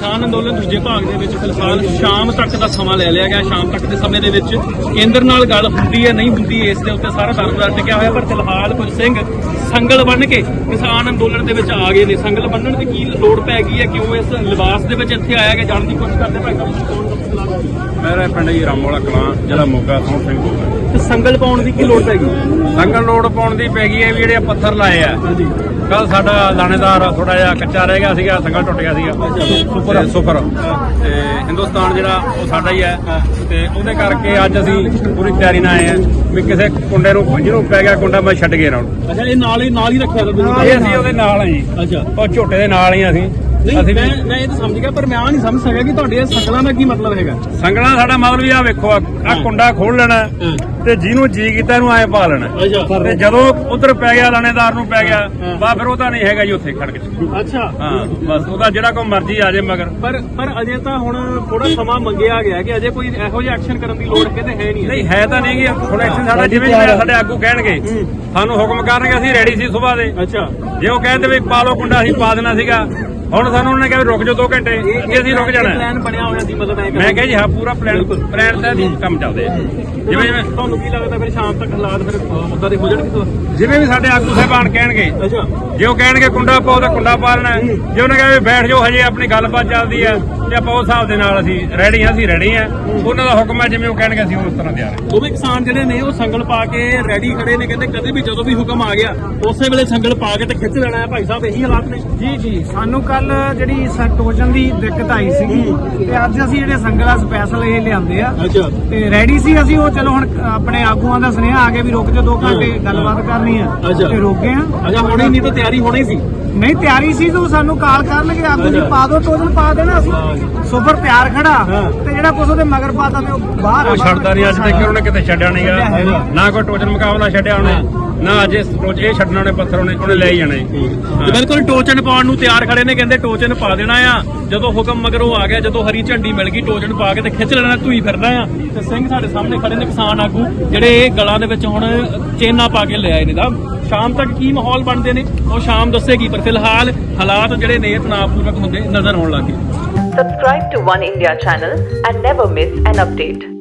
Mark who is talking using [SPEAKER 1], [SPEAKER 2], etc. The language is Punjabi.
[SPEAKER 1] ਕਿਸਾਨ ਅੰਦੋਲਨ ਦੂਜੇ ਭਾਗ ਦੇ ਵਿੱਚ ਫਿਲਹਾਲ ਸ਼ਾਮ ਤੱਕ ਦਾ ਸਮਾਂ ਲੈ ਲਿਆ ਗਿਆ। ਸ਼ਾਮ ਤੱਕ ਦੇ ਸਮੇਂ ਦੇ ਵਿੱਚ ਕੇਂਦਰ ਨਾਲ ਗੱਲ ਹੁੰਦੀ ਹੈ ਨਹੀਂ ਹੁੰਦੀ, ਇਸ ਦੇ ਉੱਤੇ ਸਾਰਾ ਦਰਬਾਰ ਟਿਕਿਆ ਹੋਇਆ। ਪਰ ਫਿਲਹਾਲ ਕੁਝ ਸਿੰਘ ਸੰਗਲ ਬੰਨ੍ਹ ਕੇ ਕਿਸਾਨ ਅੰਦੋਲਨ ਦੇ ਵਿੱਚ ਆ ਗਏ ਨੇ। ਸੰਗਲ ਬੰਨ੍ਹਣ ਦੀ ਕੀ ਲੋੜ ਪੈ ਗਈ ਹੈ, ਕਿਉਂ ਇਸ ਲਿਬਾਸ ਦੇ ਵਿੱਚ ਇੱਥੇ ਆਇਆ ਗਿਆ, ਜਾਣ ਦੀ ਕੋਸ਼ਿਸ਼ ਕਰਦੇ ਭਾਈ ਸਾਹਿਬ?
[SPEAKER 2] ਮੇਰਾ ਪਿੰਡ ਜੀ ਰਾਮੋਲਾ ਕਲਾਂ, ਜ਼ਿਲ੍ਹਾ ਮੋਗਾ, ਸੋਹਣ ਸਿੰਘ ਬੋਲਦਾ।
[SPEAKER 1] ਤੇ ਸੰਗਲ ਪਾਉਣ ਦੀ ਕੀ ਲੋੜ ਪੈ ਗਈ?
[SPEAKER 2] ਸੰਗਲ ਲੋੜ ਪਾਉਣ ਦੀ ਪੈ ਗਈ ਹੈ ਵੀ ਜਿਹੜੇ ਪੱਥਰ ਲਾਏ ਆ। ਕੱਲ ਸਾਡਾ ਲਾਣੇਦਾਰ ਥੋੜਾ ਜਿਹਾ ਕੱਚਾ ਰਹਿ ਗਿਆ ਸੀਗਾ, ਸੰਗਲ ਟੁੱਟ ਗਿਆ ਸੀਗਾ ਸੁਪਰ ਤੇ ਹਿੰਦੁਸਤਾਨ ਜਿਹੜਾ ਉਹ ਸਾਡਾ ਹੀ ਹੈ। ਤੇ ਉਹਦੇ ਕਰਕੇ ਅੱਜ ਅਸੀਂ ਪੂਰੀ ਤਿਆਰੀ ਨਾਲ ਆਏ ਆ ਵੀ ਕਿਸੇ ਕੁੰਡੇ ਨੂੰ ਜਿਹਨੂੰ ਪੈ ਗਿਆ ਕੁੰਡਾ ਮੈਂ ਛੱਡ ਕੇ ਨਾ।
[SPEAKER 1] ਅੱਛਾ, ਇਹ ਨਾਲ ਹੀ ਰੱਖਿਆ
[SPEAKER 2] ਇਹ ਅਸੀਂ ਉਹਦੇ ਨਾਲ ਆ ਜੀ।
[SPEAKER 1] ਅੱਛਾ,
[SPEAKER 2] ਉਹ ਝੋਟੇ ਦੇ ਨਾਲ ਹੀ ਅਸੀਂ
[SPEAKER 1] ਮੈਂ ਇਹ ਤਾਂ ਸਮਝ ਗਿਆ, ਪਰ ਮੈਂ ਆ ਨਹੀਂ ਸਮਝ ਸਕਿਆ ਕਿ ਤੁਹਾਡੇ ਇਹ ਸੰਗਲਾਂ ਦਾ ਕੀ ਮਤਲਬ ਹੈਗਾ।
[SPEAKER 2] ਸੰਗਲਾਂ ਸਾਡਾ ਮਤਲਬ ਵੀ ਆ ਵੇਖੋ, ਆ ਕੁੰਡਾ ਖੋਲ ਲੈਣਾ ਤੇ ਜਿਹਨੂੰ ਜੀ ਕੀਤਾ ਇਹਨੂੰ ਐ ਪਾ ਲੈਣਾ। ਤੇ ਜਦੋਂ ਉਧਰ ਪੈ ਗਿਆ ਲਾਣੇਦਾਰ ਨੂੰ ਪੈ ਗਿਆ ਬਾ ਫਿਰ ਉਹਦਾ ਨਹੀਂ ਹੈਗਾ ਜੀ ਉੱਥੇ ਖੜਕ ਚ।
[SPEAKER 1] ਅੱਛਾ,
[SPEAKER 2] ਹਾਂ ਬਸ ਉਹਦਾ ਜਿਹੜਾ ਕੋਈ ਮਰਜ਼ੀ ਆ ਜਾਏ ਮਗਰ।
[SPEAKER 1] ਪਰ ਅਜੇ ਤਾਂ ਹੁਣ ਥੋੜਾ ਸਮਾਂ ਮੰਗਿਆ ਗਿਆ ਕਿ ਅਜੇ ਕੋਈ ਇਹੋ ਜਿਹਾ ਐਕਸ਼ਨ ਕਰਨ ਦੀ ਲੋੜ ਕਿਤੇ ਹੈ ਨਹੀਂ।
[SPEAKER 2] ਨਹੀਂ ਹੈ ਤਾਂ ਨਹੀਂ ਗੀ ਹੁਣ ਐਕਸ਼ਨ ਸਾਡਾ ਜਿਵੇਂ ਸਾਡੇ ਆਗੂ ਕਹਿਣਗੇ, ਸਾਨੂੰ ਹੁਕਮ ਕਰਨਗੇ, ਅਸੀਂ ਰੈਡੀ ਸੀ ਸੁਬਾਹ ਦੇ।
[SPEAKER 1] ਅੱਛਾ,
[SPEAKER 2] ਜੇ ਉਹ ਕਹਿੰਦੇ ਵੀ ਪਾ ਲਓ ਕੁੰਡਾ ਅਸੀਂ ਪਾ ਦੇਣਾ ਸੀਗਾ। ਹੁਣ ਸਾਨੂੰ ਉਹਨੇ ਕਿਹਾ ਵੀ ਰੁਕ ਜਾਓ 2 ਘੰਟੇ, ਕਿ ਅਸੀਂ ਰੁਕ ਜਾਣਾ।
[SPEAKER 1] ਪਲਾਨ ਬਣਿਆ ਹੋਇਆ ਸੀ ਮਤਲਬ?
[SPEAKER 2] ਮੈਂ ਕਿਹਾ ਜੀ ਹਾਂ ਪੂਰਾ ਪਲਾਨ ਤੇ ਕੰਮ ਚੱਲਦੇ ਆ। ਜਿਵੇਂ
[SPEAKER 1] ਤੁਹਾਨੂੰ ਕੀ ਲੱਗਦਾ ਫਿਰ ਸ਼ਾਮ ਤੱਕ ਹਾਲਾਤ ਫਿਰ ਉਦਾਂ ਦੇ ਹੋ ਜਾਣਗੇ?
[SPEAKER 2] ਜਿਵੇਂ ਵੀ ਸਾਡੇ ਆਗੂ ਸਾਹਿਬਾਨ ਕਹਿਣਗੇ।
[SPEAKER 1] ਅੱਛਾ,
[SPEAKER 2] ਜੇ ਉਹ ਕਹਿਣਗੇ ਕੁੰਡਾ ਪਾਓ ਤਾਂ ਕੁੰਡਾ ਪਾ ਲੈਣਾ। ਜੇ ਉਹਨੇ ਕਹੇ ਬੈਠ ਜਾਓ ਹਜੇ ਆਪਣੀ ਗੱਲਬਾਤ ਚੱਲਦੀ ਆ ਤੇ ਆਪਾਂ ਉਸ ਹਿਸਾਬ ਦੇ ਨਾਲ ਅਸੀਂ ਰੈਡੀ ਆ। ਉਹਨਾਂ ਦਾ ਹੁਕਮ ਹੈ, ਜਿਵੇਂ ਉਹ ਕਹਿਣਗੇ ਅਸੀਂ ਉਸ ਤਰ੍ਹਾਂ ਤਿਆਰ ਹਾਂ।
[SPEAKER 1] ਦੋਵੇਂ ਕਿਸਾਨ ਜਿਹੜੇ ਨੇ ਉਹ ਸੰਗਲ ਪਾ ਕੇ ਰੈਡੀ ਖੜੇ ਨੇ, ਕਹਿੰਦੇ ਕਦੇ ਵੀ ਜਦੋਂ ਵੀ ਹੁਕਮ ਆ ਗਿਆ ਉਸੇ ਵੇਲੇ ਸੰਗਲ ਪਾ ਕੇ ਤੇ ਖਿੱਚ ਲੈਣਾ ਹੈ। ਭਾਈ ਸਾਹਿਬ ਇਹੀ ਹਾਲਾਤ ਨੇ?
[SPEAKER 3] ਜੀ ਸਾਨੂੰ ਕੱਲ ਜਿਹੜੀ ਟੋਜਨ ਦੀ ਦਿੱਕਤ ਆਈ ਸੀਗੀ ਤੇ ਅੱਜ ਅਸੀਂ ਜਿਹੜੇ ਸੰਗਲਾ ਸਪੈਸ਼ਲ ਇਹ ਲਿਆਂਦੇ ਆ।
[SPEAKER 1] ਅੱਛਾ,
[SPEAKER 3] ਤੇ ਰੈਡੀ ਸੀ ਅਸੀਂ। ਉਹ ਚਲੋ ਹੁਣ ਆਪਣੇ ਆਗੂਆਂ ਦਾ ਸੁਨੇਹਾ ਆ ਗਿਆ ਵੀ ਰੁਕ ਜਾ 2 ਘੰਟੇ ਗੱਲਬਾਤ ਕਰਨੀ ਆ ਤੇ ਰੁਕ ਗਏ ਆ।
[SPEAKER 1] ਅੱਛਾ, ਹੋਣੀ ਨਹੀਂ ਤਾਂ ਤਿਆਰੀ ਹੋਣੀ ਸੀ?
[SPEAKER 3] ਨਹੀਂ ਤਿਆਰੀ ਸੀ ਤਾਂ ਸਾਨੂੰ ਕਾਲ ਕਰਨਗੇ ਆਗੂ ਜੀ ਪਾ ਦੋ ਟੋਜਨ ਪਾ ਦੇਣਾ। ਅਸੀਂ ਸੁਪਰ ਤਿਆਰ ਖੜਾ ਤੇ ਜਿਹੜਾ ਕੁਛ ਉਹਦੇ ਮਗਰ ਪਾਤਾ ਤੇ ਉਹ ਬਾਹਰ
[SPEAKER 2] ਉਹ ਛੱਡਦਾ ਨਹੀਂ ਅੱਜ ਤੱਕ ਉਹਨੇ ਕਿਤੇ ਛੱਡਿਆ ਨਹੀਂਗਾ। ਨਾ ਕੋਈ ਟੋਚਨ ਮੁਕਾਬਲਾ ਛੱਡਿਆ ਉਹਨੇ, ਨਾ ਅੱਜ ਇਹ ਛੱਡਣਾ ਉਹਨੇ ਪੱਥਰ ਉਹਨੇ ਲੈ ਹੀ ਜਾਣਾ।
[SPEAKER 1] ਬਿਲਕੁਲ ਟੋਚਨ ਪਾਉਣ ਨੂੰ ਤਿਆਰ ਖੜੇ ਨੇ, ਕਹਿੰਦੇ ਟੋਚਨ ਪਾ ਦੇਣਾ ਆ। ਜਦੋਂ ਹੁਕਮ ਮਗਰੋਂ ਆ ਗਿਆ, ਜਦੋਂ ਹਰੀ ਝੰਡੀ ਮਿਲ ਗਈ, ਟੋਚਨ ਪਾ ਕੇ ਤੇ ਖਿੱਚ ਲੈਣਾ, ਧੂਈ ਫਿਰਦਾ ਆ। ਤੇ ਸਿੰਘ ਸਾਡੇ ਸਾਹਮਣੇ ਖੜੇ ਨੇ ਕਿਸਾਨ ਆਗੂ, ਜਿਹੜੇ ਗਲਾਂ ਦੇ ਵਿੱਚ ਹੁਣ ਚੇਨਾ ਪਾ ਕੇ ਲੈ ਆਏ ਨੇ। ਦਾ ਸ਼ਾਮ ਤੱਕ ਕੀ ਮਾਹੌਲ ਬਣਦੇ ਨੇ ਉਹ ਸ਼ਾਮ ਦੱਸੇਗੀ, ਪਰ ਫਿਲਹਾਲ ਹਾਲਾਤ ਜਿਹੜੇ ਨੇ ਤਣਾਅਪੂਰਵਕ ਹੁੰਦੇ ਨਜ਼ਰ ਆਉਣ ਲੱਗੇ।
[SPEAKER 4] Subscribe to One India channel and never miss an update.